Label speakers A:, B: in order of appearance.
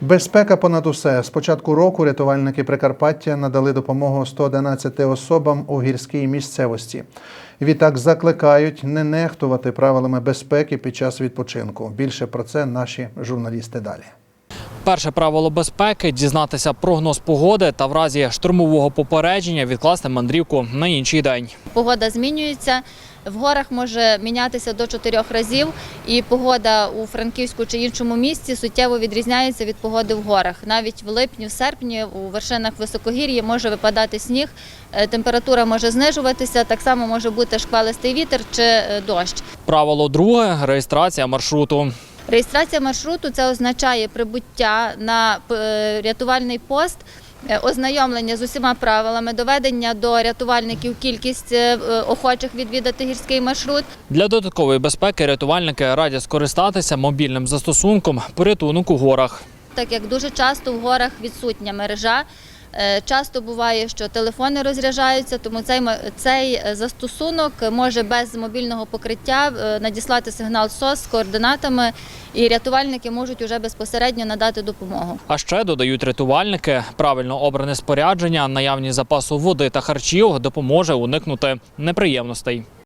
A: Безпека понад усе. З початку року рятувальники Прикарпаття надали допомогу 111 особам у гірській місцевості. Відтак закликають не нехтувати правилами безпеки під час відпочинку. Більше про це наші журналісти далі.
B: Перше правило безпеки – дізнатися прогноз погоди та в разі штормового попередження відкласти мандрівку на інший день.
C: Погода змінюється, в горах може мінятися до 4 разів, і погода у Франківську чи іншому місці суттєво відрізняється від погоди в горах. Навіть в липні, в серпні у вершинах високогір'я може випадати сніг, температура може знижуватися, так само може бути шквалистий вітер чи дощ.
B: Правило друге – реєстрація маршруту.
C: Реєстрація маршруту – це означає прибуття на рятувальний пост, ознайомлення з усіма правилами, доведення до рятувальників кількість охочих відвідати гірський маршрут.
B: Для додаткової безпеки рятувальники радять скористатися мобільним застосунком «Порятунок у горах».
C: Так як дуже часто в горах відсутня мережа, часто буває, що телефони розряджаються, тому цей застосунок може без мобільного покриття надіслати сигнал СОС з координатами, і рятувальники можуть уже безпосередньо надати допомогу.
B: А ще, додають рятувальники, правильно обране спорядження, наявність запасу води та харчів допоможе уникнути неприємностей.